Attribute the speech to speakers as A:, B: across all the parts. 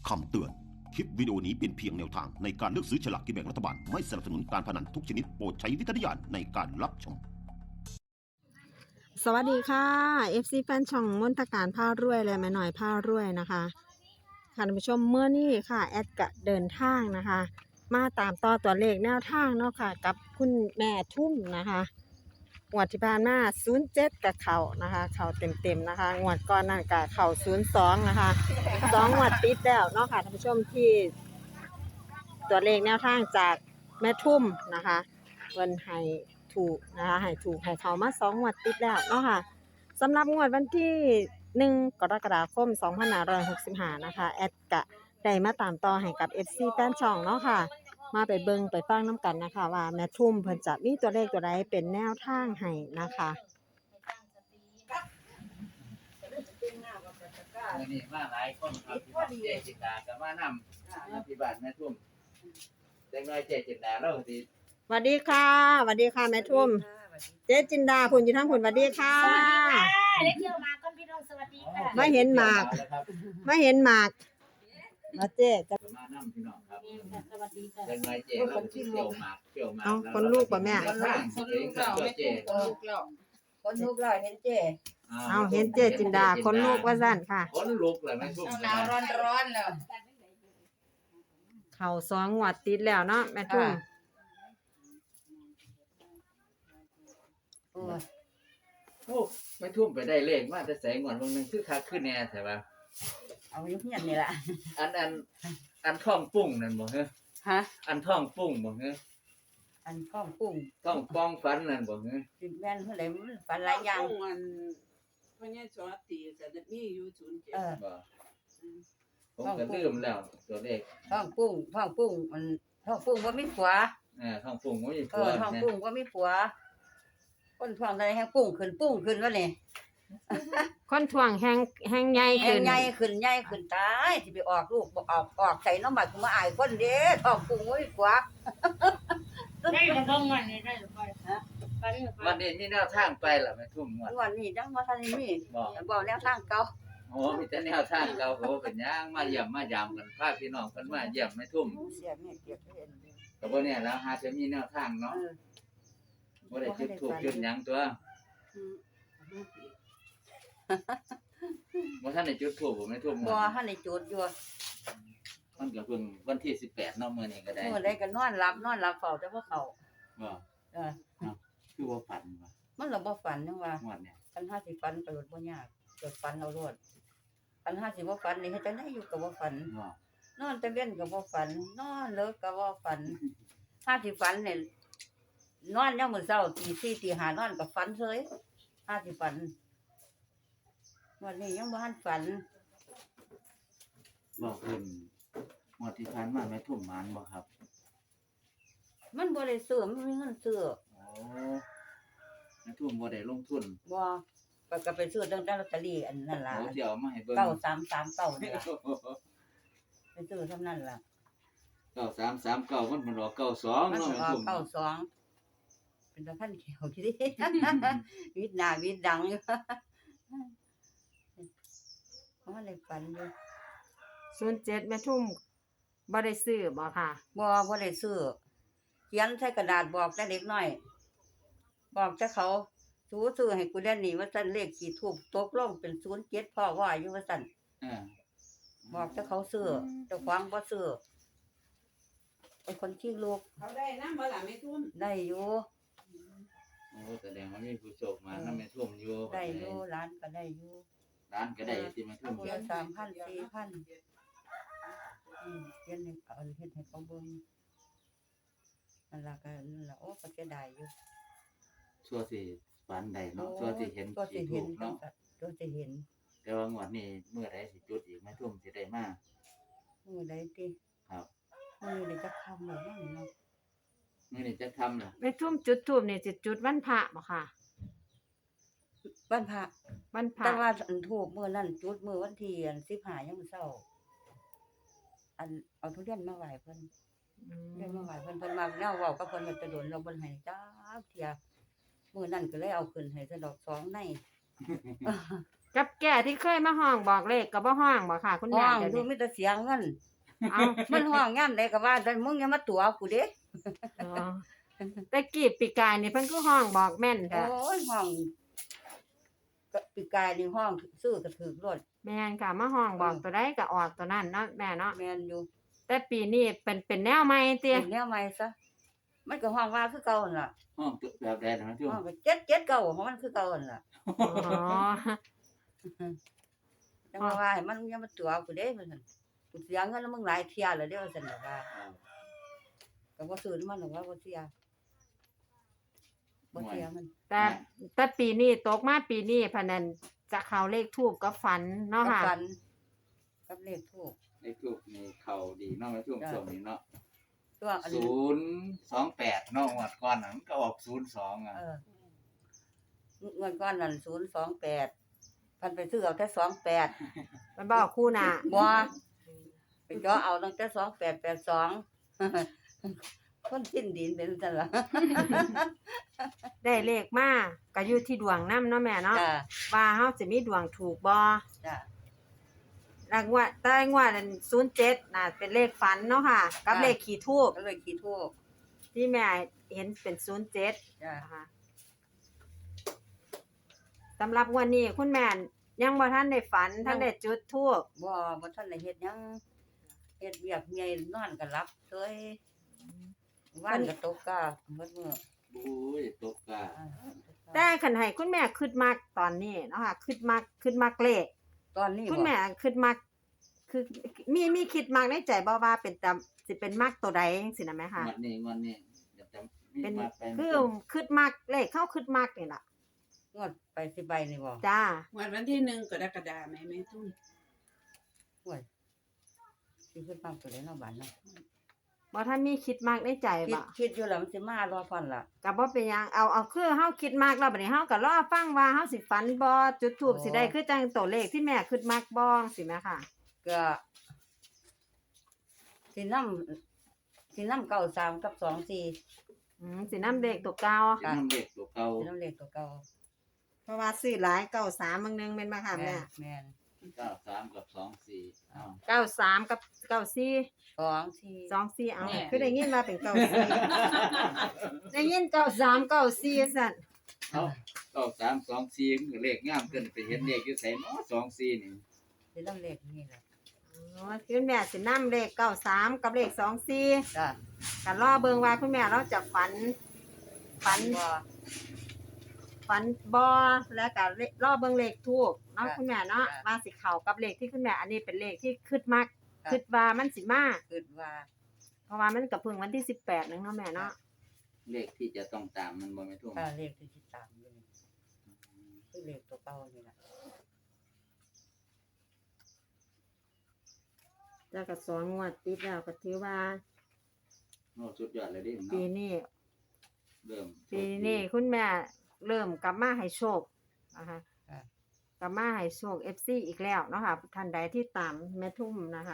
A: คำเตือน คลิปวิดีโอนี้เป็นเพียงแนวทางในการเลือกซื้อฉลากกินแบ่งรัฐบาล ไม่สนับสนุนการพนันทุกชนิดโปรดใช้วิจารณญาณในการรับชม
B: สวัสดีค่ะ FC แฟนช่องมนตการผ้ารวยและแม่หน่อยผ้ารวยนะคะค่ะท่านผู้ชมเมื่อนี้ค่ะแอดกะเดินทางนะคะ มาตามต่อตัวเลขแนวทางเนาะค่ะกับคุณแม่ทุ่มนะคะงวดที่ผ่านมา07กับเขานะคะเขาเต็มๆนะคะงวดก่อนนั่นกับเขา02นะคะ2งวดติดแล้วเนาะค่ะท่านผู้ชมที่ตัวเลขแนวทางจากแม่ทุ่มนะคะเพิ่นให้ถูกนะคะให้ถูกให้เขามา2งวดติดแล้วเนาะค่ะสำหรับงวดวันที่1กรกฎาคม2565นะคะแอดกะได้มาตามต่อให้กับ FC แฟนช่องเนาะค่ะมาไปเบิ่งไปฟังน้ำกันนะคะว่าแม่ทุ่มเพิ่นจะมีตัวเลขตัวใดเป็นแนวทางให้นะคะ
C: มื้อนี้มาหลายคนครับพี่น้องเจ๊จินดาก็มานำที่บ้านแม่ทุ่มจังน้อยเจ๊จินดาเราสิ
B: สวัสดีค่ะสวัสดีค่ะแม่ทุ่มเจ๊จินดาคุณอยู่ทั้งคุณสวัสดีค่ะ
D: เล็กเที่ยวมาก่อนพี่น้องสวัสดีค่ะ
B: ไม่เห็นหมาก ไม่เห็นหมากมาเจ๊จะ
C: มานำพี่น้องครับ
D: สวัสดีค่ะ
C: จังน้อยเจ๊เราสิเที่ยวหมาก
B: เอาคนลูกป่ะแม่
C: ทางเองกับตัวเจ๊
E: คนลูกเราเห็นเจ๊
B: เอาเห็นเจ๊จินดาคนลูกว่าสั่นค่ะ
C: คนลูกเลยแม่ทุ่ม
E: หนาวร้อนแล้ว
B: เข่า2งวดติดแล้วเนาะแม่ทุ่ม
E: โอ้ย
C: โอ้แม่ทุ่มไปได้เลขมาแต่แสงก่อนวันนึงคือคักขึ้นแน่ใช่ป่ะ
E: เอาอยู่เฮียนนี่ล่ะ
C: อันท้องปุ้งนั่นบ่ฮะ
E: ฮะ
C: อันท้องปุ้งบ่ฮะ
E: อันข้องกุ้ง
C: ท้องป้องฟันนั่นบ่ฮะ
E: สิแม่นเท่าไหร่มันปันหลายอย่าง
F: มันพญาจอตีก็จะมีอยู่07
E: เออ
C: บ่ผมก็ลืมแล้วตัวเลข
E: ท้องกุ้งมันท้องกุ้งบ่มีผัว
C: ท้องปุ้งบ่มี
E: เอ
C: ผัว
E: อท้องกุ้งบ่มีผัวคนท้องได้แฮงกุ้งขึ้นว่านี่
B: คนถ่วงแหงใหญ่
E: แฮ
B: ขึ้
E: ง
B: น
E: ใหญ่ขึ้นตายสิไปออกลูกบ่ออกใส่น้ำบัดกูมาอายคนเด้ท้องกุ้งบ่มีผัว
D: ได้หรือเปล่าวันนี้ได้หรือเปล่าฮะไปหรือเป
C: วั
D: ล่าน
C: นี้มีแนวทางไปล่ะแม่ทุ่มงวด
E: วันนี้จังบ่ทันได้มี
C: บ่
E: บ่แนวทางเก่า
C: โอ้มีแต่แนวทางเราก็บ่เป็นหยังมาเยี่ยมมายามกันพาพี่น้องเพิ่นมาเยี่ยมแม่ทุ่ม
E: เสียแม่เกียรติเห็น
C: ก็บ่แน่แล้วหาจะมีแนวทางเนาะ
E: เออ
C: บ่ได้จุดธูปจุดหยังตัวบ่ทันได้จุดธูปบ่แม่ทุ่ม
E: บ่ทันได้จุดอยู่
C: มันก็เพิ่งวันที่18เนาะมื้อนี้ก็ได้
E: เมื่อใดก็นอนหลับเฝ้าแต่บ่เข้า
C: บ่
E: เออ
C: คือว่าฝันว่า
E: มันละบ่ฝันจังว่าง
C: วดเนี่ย
E: คันห้าสิฝันก็บ่ยากเกิดฝันเอาโลดคันห้าสิบ่ฝันนี่เฮ็ดจังได๋อยู่ก็บ่ฝัน
C: บ่
E: นอนแต่เว้นก็บ่ฝันนอนเลิกก็บ่ฝันห้าสิฝันเนี่ยนอนยามมื้อเช้าตี4ตี5นอนก็ฝันเฉยห้าสิฝันวันนี้ยังบ่ทันฝัน
C: บอกเพิ่นงวดที่ผ่านมาแม่ทุ่มหมานบ่ครับ
E: มันบ่ได้ซื้อมันมีเงินซื้อ
C: โอ้แม่ทุ่มบ่ได้ลงทุน
E: บ่ก็ไปซื้อตั้งแต่ลอตเตอรี่อันนั้นล่ะ
C: โอ้สิเอามาให้เบิ่ง
E: 9339นี่ล่ะไปซื้อเท่านั้นล่ะ
C: 9339มันรอ92
E: มัน
C: เนาะ
E: อ
C: แม่
E: อก
C: ทุ่ม
E: 92เป็นตะพันเขียวที่ดิ วิดหน้าวิดดังอยู่ เพราะว่าเลยฝันอยู่
B: 07แม่ทุ่มบ่ได้ซื้อบ่ค่ะ
E: บ่ได้ซื้อเขียนใส่กระดาษบอกแต่เด็กน้อย บอกแต่เขาซื้อให้กูได้นี่ว่าซั่นเลขกี่ทูบตกลงเป็น07พ่อว่าอยู่ว่าซั่น
C: เออ
E: บอกแต่เขาซื้อเจ้าของบ่ซื้อเป็นคนขี้ลูก
F: เขาได้นำบ่ล่ะแม่ทุ่ม
E: ได้อยู่
C: โอ้แสดงว่ามีผู้โชคมานำแม่ทุ่มอยู่
E: ได้อยู่ร้านก็ได้อยู่
C: ร้านก็ได้ที่แม่ทุ่ม
E: เดือน3,000 4,000เขียนให้เอาเฮ็ดให้เขาเบิ่งนั่นล่ะก็นั่นล่ะโอ้ก็เสียดายอยู่
C: ชั่วสิฝันได้เนาะชั่วสิเห็น
E: ก็สิ
C: สิ
E: เห็
C: ถู
E: น
C: กเนาะ
E: ก็สิเห็น
C: แต่ว่างวดนี้เมื่อใดสิจุดอีกแม่ทุ่มสิได้มา
E: มื้อใดติ
C: ครับ
E: มื้อนี้จะค่ำแล้วนั่นเนาะ
C: มื้อนี้จะทำล่ะ
B: แม่ทุ่มจุดธูปนี่สิจุดวันพระบ่ค่ะ
E: วันพระ
B: วันพระ
E: แต่ว่าอันทูบมื้อนั้นจุดมื้อวันที่อัน15ยังมื้อเช้าอันเอาทุเรียนมาไหว้เพิ่น เรียนมาไหว้เพิ่นมาแนวเว้ากับเพิ่นมันจะโดนเราบ่ให้จักเที่ยมื้อนั้นก็เลยเอาขึ้นให้ซะดอก2ใน
B: กับแก่ที่เคยมาห้องบอกเลขก็บ่ห้องบ่ค่ะ คุณ
E: ห้
B: แม่
E: อง
B: เดี๋ยว
E: ดู
B: นี้
E: มีแต่เสียงเงิน
B: เอา
E: มันห้องยามใดก็ว่าแต่มึงอย่ามาตัวกูเด้
B: อ๋อแต่กี้ปีกายนี่เพิ่นคือห้องบอกแม่น
E: โอ
B: ค่ะ
E: ้ยห้องก็ปีกายนี่ห้องซื้อก็ถูกรถ
B: แม่นค่ะมาห้องบอกตัวใดก็ออกตัวนั้นเนาะแม่เนาะ
E: แม่นอยู่
B: แต่ปีนี้เป็นแนวใหม่ติ
E: เป็นแนวใหม่ซะมันก็ห้องว่าคือเก่าหั่นล่ะ
C: ห้องแบบใดนะแม่ทุ่ม
E: ห้องก็779ของมันคือเก่าหั่นล่ะ
B: อ๋อ
E: จังว่าให้มันอย่ามาตัวกูเด้ว่าซั่นกูเสียเงินแล้วมึงหลายเที่ยแล้วเด้ว่าซั่นน่ะว่าก็บ่ซื้อมันหรอกว่าบ่เสียมัน
B: แต่ปีนี้ตกมาปีนี้พะนันจะเข้าเลขทูปกับฝันเนาะ
E: กับ
B: ค่ะ
E: ฟันกับเลขทูบ
C: ในทูบนี่เข้าดีเนาะแม่ทุ่มช่วงนี้เนาะ
E: ตัวอันนี้
C: 028เนาะงวดก่อนน่ะมันก็ออก02อ่ะ
E: เงินก้อนนั่น028พันไปซื้อเอาแต่28
B: มันบอกคู่หน้า
E: บ่ไปเจาะเอาตั้งแต่2882คนสิ้นดินเป็นซั่นล่ะ
B: ได้เลขมาก็อยู่ที่ดวงนำเนาะแม่เนาะ
E: จ้า
B: ว่าเฮาสิมีดวงถูกบ่
E: จ้า
B: แล้วงวดแต่งวดนั้น07น่ะเป็นเลขฝันเนาะค่ะ กับเลขขี่ทูป
E: ก็เลยขี้ทูบ
B: ที่แม่เห็นเป็น07
E: จ้า
B: นะคะสำหรับงวันนี้คุณแม่ยังบ่ทันได้ฝันทันได้จุดธูป
E: บ่ทันได้เฮ็ดหยังเฮ็ดเวียกเมียนอนก็หลับเฉยวันก็ตกกาหมดมื้อ
C: บุ้ยตกกา
B: แต่คันให้คุณแม่คิดมักตอนนี้เนาะค่ะคิดมักเลข
E: ตอนนี้
B: คุณแม่คิดมักคือมีคิดมักในใจบ่ว่าเป็นตามสิเป็นมักตัวใดจังซี่นะแม่ค่ะ
C: งวดนี้เดี๋ยวจะมี
B: เป็น
C: มาไป
B: คือคิดมักเลขเข้าคิดมักนี่ล่ะ
E: งวดไปสิใบนี่บ่
B: จ้า
F: วันที่1กรกฎาคมแม่ทุ่ม
E: โอ้ยสิขึ้นปังตัวใดเนาะบัดเนาะ
B: บ่ทันมีคิดมักในใจ
E: คิด
B: บ่
E: อยู่แล้วมันสิมารอฟันล่ะ
B: ก็บ่เป็นหยังเอาคือเฮาคิดมักแล้วบัดนี้เฮาก็รอฟังว่าเฮาสิฝันบ่จุดธูปสิได้คือจังตัวเลขที่แม่คิดมักบ่สิแม่ค่ะ
E: ก็สินำ93กับ24สิ
B: สินำเลขตัวเก่า
C: จะนำเด็กตัวเก่า
E: นำเลขตัวเก่า
B: เพราะว่าซื้อหลาย93บางนึงแม่นบ่ค่ะแม่
E: แม่น
C: 93กับ24อ้าว
B: 93กับ94
E: 24
B: 24เอาคือได้ยินว่าเป็น94ได้ยิน93 94ซั่น
C: เอ้า9324มันก็เลขงามเกินไปเห็นเลขอยู่ไสเนาะ24นี่
E: สินำเลขนี่แหละ
B: อ๋อคุณแม่สินำเลข93กับเลข24
E: จ้ะ
B: ก็รอเบิ่งว่าคุณแม่เราจะฝัน
E: บ่
B: ฝันบ่แล้วก็รอเบิ่งเลขทูปเนาะ
E: ค่ะ
B: คุณแม่เนาะ
E: ค่ะ
B: ว่าสิเข้ากับเลขที่คุณแม่อันนี้เป็นเลขที่คิดมัก
E: ค่ะ
B: คิดว่ามันสิมา
E: คิดว่า
B: เพราะว่ามันก็เพิ่งวันที่18นึงเนาะแม่เนาะ
C: เลขที่จะต้องตามมันบ่แม่ทุ่ม
E: ถ้าเลขที่ตามอยู่นี่คือเลขตัวเก่านี่ล่ะ
B: แล้วก็สองงวดติดแล้วก็ถือว่า
C: โอ้สุดยอดเลยเดิ
B: ปี
C: เนาะ
B: นี้
C: เริ่ม
B: ปีนี้คุณแม่เริ่มกลับมาให้โชคนะคะกลับมาให้โชค FC อีกแล้วเนาะค่ะท่านใดที่ตามแม่ทุ่มนะคะ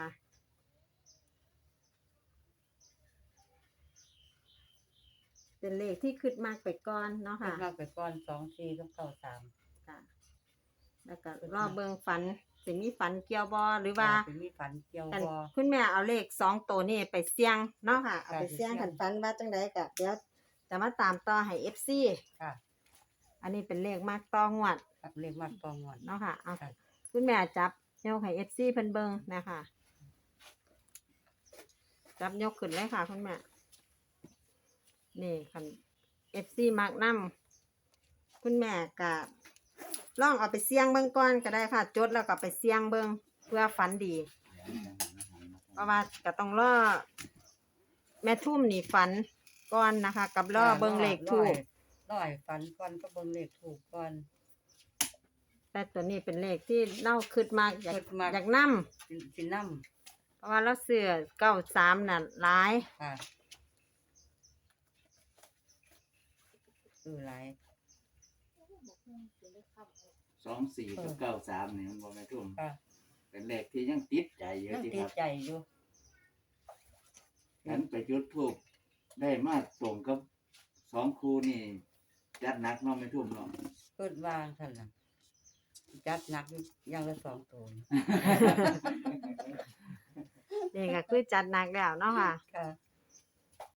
B: เป็นเลขที่คิดมากไปก่อนเนาะ
E: คิ
B: ค่ะ
E: ดมากไปก่อน24กับ93
B: ค่ะ แล้วก็รอเบิ่งฝันสิมีฝันเกี่ยวบ่หรือว่า
E: สิมีฝันเกี่ยว
B: อัน
E: บ่
B: คุณแม่เอาเลข2ตัวนี้ไปเสี่ยงเนาะค่ะ เอาไป
E: ค่ะ
B: เสี่ยง
E: ไปเสี่ยง
B: กันฝันว่าจังไดก็เดี๋ยวจะมาตามต่อให้ FC
E: ค่ะ
B: อันนี้เป็นเลขมากต่องวด
E: เลขมากตองวด
B: เนาะค่ะเอา
E: ค่ะ
B: คุณแม่จับยกให้ FC เพิ่นเบิ่งนะคะจับยกขึ้นเลยค่ะ คุณแม่นี่คัน FC มักนำคุณแม่ก็ลองเอาไปเสี่ยงเบิ่งก่อนก็ได้ค่ะ จดแล้วก็ไปเสี่ยงเบิ่งเพื่อฝันดี เพราะว่าก็ต้องรอแม่ทุ่มนี่ฝันก่อนนะคะ กับรอเบิ่งเลขถูก
E: ร้อยฝันก่อนก็เบิ่งเลขถูกก่อน
B: แต่ตัวนี้เป็นเลขที่เล่าคิดมากอยาก
E: คิดมาก
B: อยากนำ
E: สินำ
B: เพราะว่าเราเสือ93น่ะหลาย
E: ค่ะคือหลาย
C: 24กับ93นี่มันบ่แม่ทุ่ม
E: ค่ะ
C: เป็นเลขที่ยังติดใจอยู่
E: ยัง
C: ที่
E: ติ
C: ค
E: ด
C: รับ
E: ใจอยู่
C: ฉันไปจุดธูปได้มาตรงกับ2คู่นี่จัดหนักเนาะแม่ทุ่มเนาะ
E: เพิ่นวางซั่นน่ะจัดหนักอยู่อย่างละ2ตัว
B: นี่ก็คือจัดหนักแล้วเนาะค่ะ
E: ค่ะ